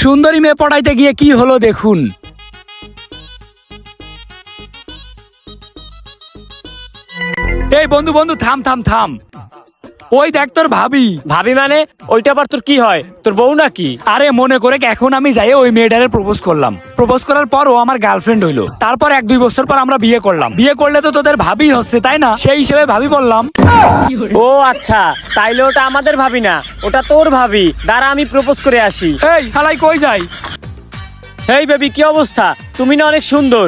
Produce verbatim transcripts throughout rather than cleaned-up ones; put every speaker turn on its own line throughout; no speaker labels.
সুন্দরী মেয়ে পটাইতে গিয়ে কি হলো দেখুন। এই বন্ধু বন্ধু থাম থাম থাম, ওই দেখ তোর ভাবি।
ভাবি মানে ওইটা আবার তোর কি হয়, তোর বউ নাকি?
আরে মনে করে এখন আমি যাই ওই মেয়েটারে প্রপোজ করলাম, প্রপোজ করার পর ও আমার গার্লফ্রেন্ড হইলো, তারপর এক দুই বছর পর আমরা বিয়ে করলাম, বিয়ে করলে তো তোদের ভাবি হচ্ছে তাই না, সেই হিসেবে ভাবি বললাম।
ও আচ্ছা, তাইলে ওটা আমাদের ভাবি না, ওটা তোর ভাবি। দাঁড়া আমি প্রপোজ করে আসি।
এই হালাই কই যাই?
এই বেবি কি অবস্থা? তুমি না অনেক সুন্দর।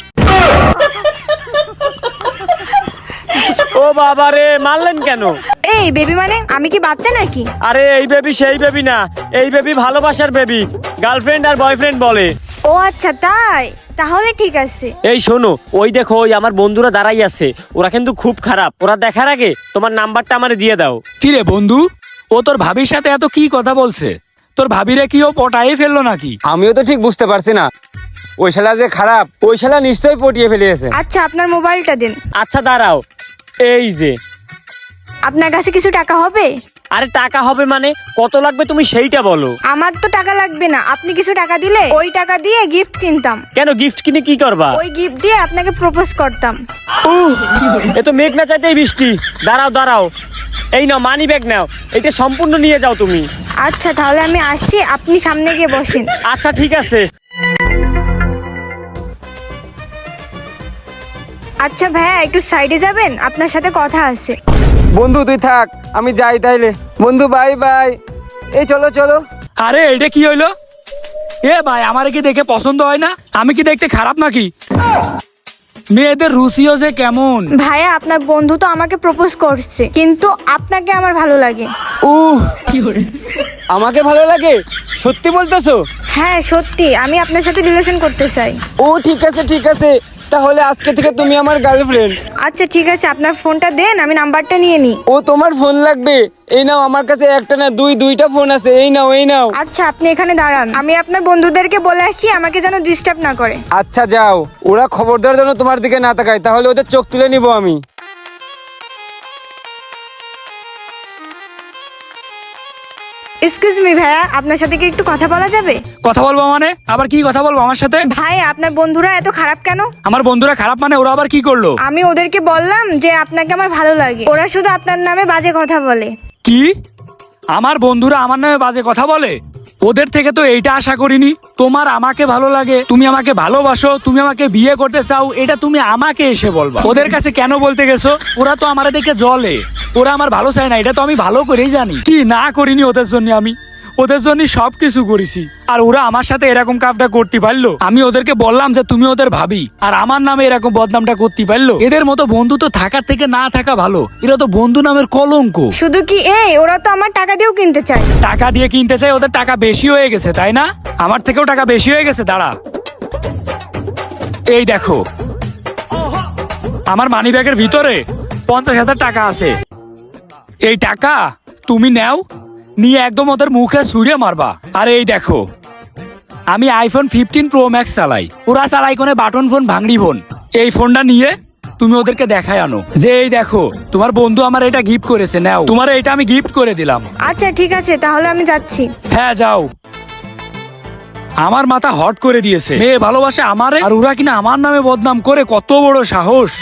ও বাবা রে, মারলেন কেন?
এই বেবি মানে আমি কি বাচ্চা নাকি?
আরে এই বেবি সেই বেবি না, এই বেবি ভালোবাসার বেবি, গার্লফ্রেন্ড আর বয়ফ্রেন্ড বলে।
ও আচ্ছা তাই, তাহলে ঠিক আছে।
এই শোনো, ওই দেখো ওই আমার বন্ধুরা দাঁড়াই আছে, ওরা কিন্তু খুব খারাপ। ওরা দেখার আগে তোমার নাম্বারটা আমারে দিয়ে দাও।
কি রে বন্ধু, ও তোর ভাবির সাথে এত কি কথা বলছে? তোর ভাবিরে কি ও পটাই ফেললো নাকি?
আমিও তো ঠিক বুঝতে পারছি না, ওই শালা যে খারাপ, ওই শালা নিশ্চয়ই পটিয়ে ফেলিয়েছে।
আচ্ছা আপনার মোবাইলটা দিন।
আচ্ছা দাঁড়াও, এই যে।
আপনার কাছে কিছু টাকা হবে?
আরে টাকা হবে মানে কত লাগবে তুমি সেইটা বলো।
আমার তো টাকা লাগবে না, আপনি কিছু টাকা দিলে ওই টাকা দিয়ে গিফট কিনতাম।
কেন গিফট কিনে কি করবা?
ওই গিফট দিয়ে আপনাকে প্রপোজ করতাম।
উহ, এ তো মেঘ না চাইতেই বৃষ্টি। দাঁড়াও দাঁড়াও, এই নাও মানি ব্যাগ নাও, এটা সম্পূর্ণ নিয়ে যাও তুমি।
আচ্ছা তাহলে আমি আসছি, আপনি সামনে গিয়ে বসেন।
আচ্ছা ঠিক আছে।
আচ্ছা ভাইয়া একটু সাইডে যাবেন, আপনার সাথে কথা আছে।
বন্ধু তুই থাক, আমি যাই তাইলে। বন্ধু বাই বাই। এই চলো চলো।
আরে এটা কি হইলো? এ ভাই আমার কি দেখে পছন্দ হয় না? আমি কি দেখতে খারাপ নাকি? মেয়েদের রুচিও যে কেমন।
ভাইয়া আপনার বন্ধু তো আমাকে প্রপোজ করছে, কিন্তু আপনাকে আমার ভালো লাগে।
উহ, আমাকে ভালো লাগে? সত্যি বলতেছো?
হ্যাঁ সত্যি, আমি আপনার সাথে রিলেশন করতে চাই।
ও ঠিক আছে ঠিক আছে, তাহলে আজকে থেকে তুমি আমার গার্লফ্রেন্ড।
আচ্ছা ঠিক আছে, আপনার ফোনটা দেন, আমি নাম্বারটা নিয়ে নিই।
ও তোমার ফোন লাগবে? এই নাও, আমার কাছে একটা না দুই দুইটা ফোন আছে, এই নাও এই নাও।
আচ্ছা আপনি এখানে দাঁড়ান, আমি আপনার বন্ধুদেরকে বলে আসছি আমাকে যেন ডিস্টার্ব না করে।
আচ্ছা যাও, ওরা খবরদার যেন তোমার দিকে না তাকায়, তাহলে ওদের চোখ তুলে নিব আমি।
এক্সকিউজ মি ভাইয়া, আপনার সাথে কি একটু কথা বলা যাবে?
কথা বলবো মানে? আবার কি কথা বলবো আমার সাথে?
ভাই আপনার বন্ধুরা এত খারাপ কেন?
আমার বন্ধুরা খারাপ মানে? ওরা আবার কি করলো?
আমি ওদেরকে বললাম যে আপনাকে আমার ভালো লাগে, ওরা শুধু আপনার নামে বাজে কথা বলে।
কি? আমার বন্ধুরা আমার নামে বাজে কথা বলে? ওদের থেকে তো এইটা আশা করিনি। তোমার আমাকে ভালো লাগে, তুমি আমাকে ভালোবাসো, তুমি আমাকে বিয়ে করতে চাও, এটা তুমি আমাকে এসে বলবা। ওদের কাছে কেন বলতে গেছো? ওরা তো আমার দেখে জ্বলে, ওরা আমার ভালো চায় না, এটা তো আমি ভালো করেই জানি। কি না করিনি ওদের জন্য? আমি ওদের জন্য সবকিছু করেছি, আর ওরা আমার সাথে এরকম কাজটা করতে পারলো? আমি ওদেরকে বললাম যে তুমি ওদের ভাবি, আর আমার নামে এরকম বদনামটা করতে পারলো? এদের মতো বন্ধু তো থাকার থেকে না থাকা ভালো, এরা তো বন্ধু নামের কলঙ্ক।
শুধু কি এই, ওরা তো আমার টাকা দিয়েও কিনতে চায়।
টাকা দিয়ে কিনতে চাই? ওদের টাকা বেশি হয়ে গেছে তাই না? আমার থেকেও টাকা বেশি হয়ে গেছে। দাঁড়া, এই দেখো আমার মানি ব্যাগের ভিতরে পঞ্চাশ হাজার টাকা আছে। এই টাকা তুমি নাও, নিয়ে একদম ওদের মুখে ছুঁড়ে মারবা। আর এই দেখো আমি আইফোন ফিফটিন প্রো ম্যাক্স চালাই, ওরা চালাই কোনে বাটন ফোন, ভাঙড়ি ফোন। এই ফোনটা নিয়ে তুমি ওদেরকে দেখায় আনো যে এই দেখো তোমার বন্ধু আমার এটা গিফট করেছে, নাও তোমার এটা আমি গিফট করে দিলাম।
আচ্ছা ঠিক আছে, তাহলে আমি যাচ্ছি।
হ্যাঁ যাও। আমার মাথা হট করে দিয়েছে, মেয়ে ভালোবাসে আমারে, আর ওরা কিনা আমার নামে বদনাম করে, কত বড় সাহস!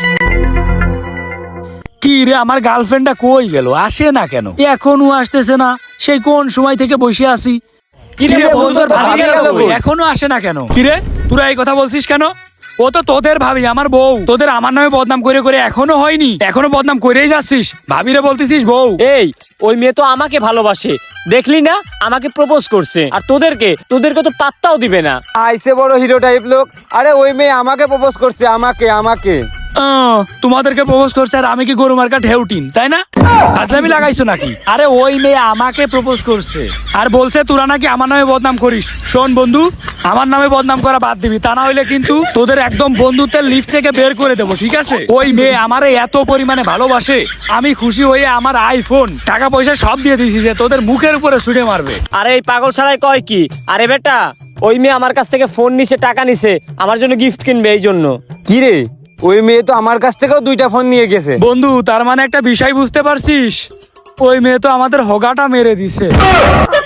কি রে, আমার গার্লফ্রেন্ডটা কই গেল? আসে না কেন? এখনো আসতেছে না, সেই কোন সময় থেকে বসে আছি। কিরে বন্ধু, তোর ভাবি গেল কই? এখনো আসে না কেন? কিরে তোরা এই কথা বলছিস কেন? ও তো তোদের ভাবি, আমার বউ। তোদের আমার নামে বদনাম করে করে এখনো হয়নি, এখনো বদনাম করেই যাচ্ছিস। ভাবিরে বলতেছিস বউ।
এই ওই মেয়ে তো আমাকে ভালোবাসে, দেখলি না আমাকে প্রপোজ করছে, আর তোদেরকে তোদেরকে তো পাত্তাও দিবে না।
আইসে বড় হিরো টাইপ লোক। আরে ওই মেয়ে আমাকে প্রপোজ করছে, আমাকে আমাকে
আহ, তোমাদেরকে প্রপোজ করছে আর আমি কি গরু মার্কা ঢেউটিন তাই না? হাজলামি লাগাইছো নাকি? আরে ওই মেয়ে আমাকে প্রপোজ করছে আর বলছে তোরা নাকি আমার নামে বদনাম করিস। শোন বন্ধু, আমার নামে বদনাম করা বাদ দিবি, তা না হইলে কিন্তু তোদের একদম বন্ধুত্বের লিস্ট থেকে বের করে দেবো, ঠিক আছে? ওই মেয়ে আমারে এত পরিমাণে ভালোবাসে, আমি খুশি হয়ে আমার আইফোন টাকা পয়সা সব দিয়ে দিয়েছি যে তোদের মুখের উপরে ছুঁড়ে মারবে।
আরে এই পাগল শালায় কয় কি? আরে বেটা, ওই মেয়ে আমার কাছ থেকে ফোন নিছে, টাকা নিছে, আমার জন্য গিফট কিনবে এই জন্য।
কি রে, ওই মেয়ে তো আমার কাছ থেকেও দুইটা ফোন নিয়ে গেছে।
বন্ধু তার মানে একটা বিষয় বুঝতে পারছিস? ওই মেয়ে তো আমাদের হোগাটা মেরে দিছে।